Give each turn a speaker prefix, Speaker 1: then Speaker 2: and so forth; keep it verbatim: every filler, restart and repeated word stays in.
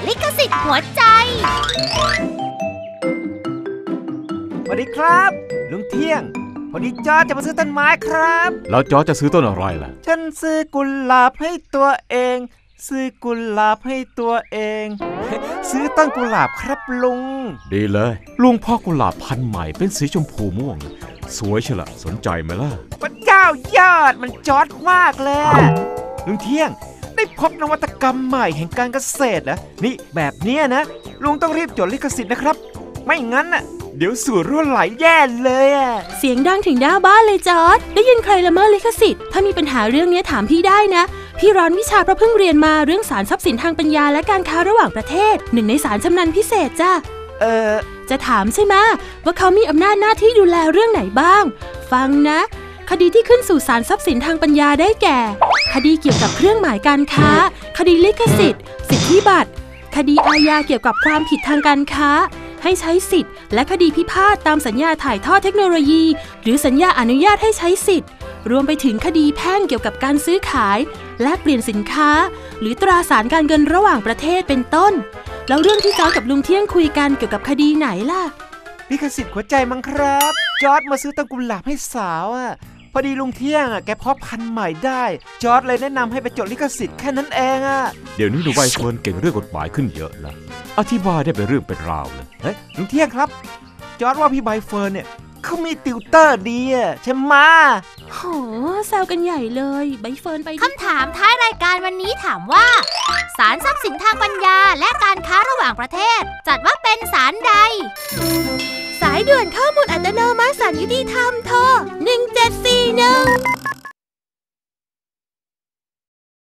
Speaker 1: ลิขสิทธิ์หัวใจ
Speaker 2: สวัสดีครับลุงเที่ยงพอดีจอร์จจะมาซื้อต้นไม้ครับ
Speaker 3: แล้วจอร์จจะซื้อต้นอะไรล่ะ
Speaker 2: ฉันซื้อกุหลาบให้ตัวเองซื้อกุหลาบให้ตัวเอง ซื้อต้นกุหลาบครับลุง
Speaker 3: ดีเลยลุงพ่อกุหลาบพันธุ์ใหม่เป็นสีชมพูม่วงสวยเชียวล่ะสนใจไหมล่ะ
Speaker 2: พระเจ้ายอดมันจอร์จมากเลยลุงเที่ยงได้พบนวัตกรรมใหม่แห่งการเกษตรนะนี่แบบเนี้ยนะลุงต้องรีบจดลิขสิทธิ์นะครับไม่งั้นน่ะเดี๋ยวสูตรรั่วไหลแย่เลยอ่ะ
Speaker 4: เสียงดังถึงหน้าบ้านเลยจอร์จได้ยินใครละเมิดลิขสิทธิ์ถ้ามีปัญหาเรื่องนี้ถามพี่ได้นะพี่ร้อนวิชาเพราะเพิ่งเรียนมาเรื่องศาลทรัพย์สินทางปัญญาและการค้าระหว่างประเทศหนึ่งในศาลชำนาญพิเศษจ้ะ
Speaker 2: เออ
Speaker 4: จะถามใช่ไหมว่าเขามีอำนาจหน้าที่ดูแลเรื่องไหนบ้างฟังนะคดีที่ขึ้นสู่ศาลทรัพย์สินทางปัญญาได้แก่คดีเกี่ยวกับเครื่องหมายการค้าคดีลิขสิทธิ์สิทธิบัตรคดีอาญาเกี่ยวกับความผิดทางการค้าให้ใช้สิทธิ์และคดีพิพาทตามสัญญาถ่ายทอดเทคโนโลยีหรือสัญญาอนุญาตให้ใช้สิทธิ์รวมไปถึงคดีแพ่งเกี่ยวกับการซื้อขายแลกเปลี่ยนสินค้าหรือตราสารการเงินระหว่างประเทศเป็นต้นแล้วเรื่องที่จอร์จกับลุงเที่ยงคุยกันเกี่ยวกับคดีไหนล่ะ
Speaker 2: ลิขสิทธิ์หัวใจมั้งครับจอร์จมาซื้อต้นกุหลาบให้สาวอ่ะพอดีลุงเที่ยงอ่ะแกเพาะพันธุ์ใหม่ได้จอร์จเลยแนะนำให้ไปจดลิขสิทธิ์แค่นั้นเองอ่ะ
Speaker 3: เดี๋ยวนี้หนูใบเฟิร์นเก่งเรื่องกฎหมายขึ้นเยอะนะอธิบายได้เป็นเรื่องเป็นราวเลย
Speaker 2: เฮ้ยลุงเที่ยงครับจอร์จว่าพี่ใบเฟิร์นเนี่ยเขามีติวเตอร์ดีอ่ะใช่ไหม
Speaker 4: โหแซวกันใหญ่เลยใบเฟิร์นไป
Speaker 1: คำถามท้ายรายการวันนี้ถามว่าศาลทรัพย์สินทางปัญญาและการค้าระหว่างประเทศจัดว่าเป็นศาลใด
Speaker 4: สายด่วนข้อมูลอัตโนมัติศาลยุติธรรมโทรหนึ่งเจ็ดสี่หนึ่ง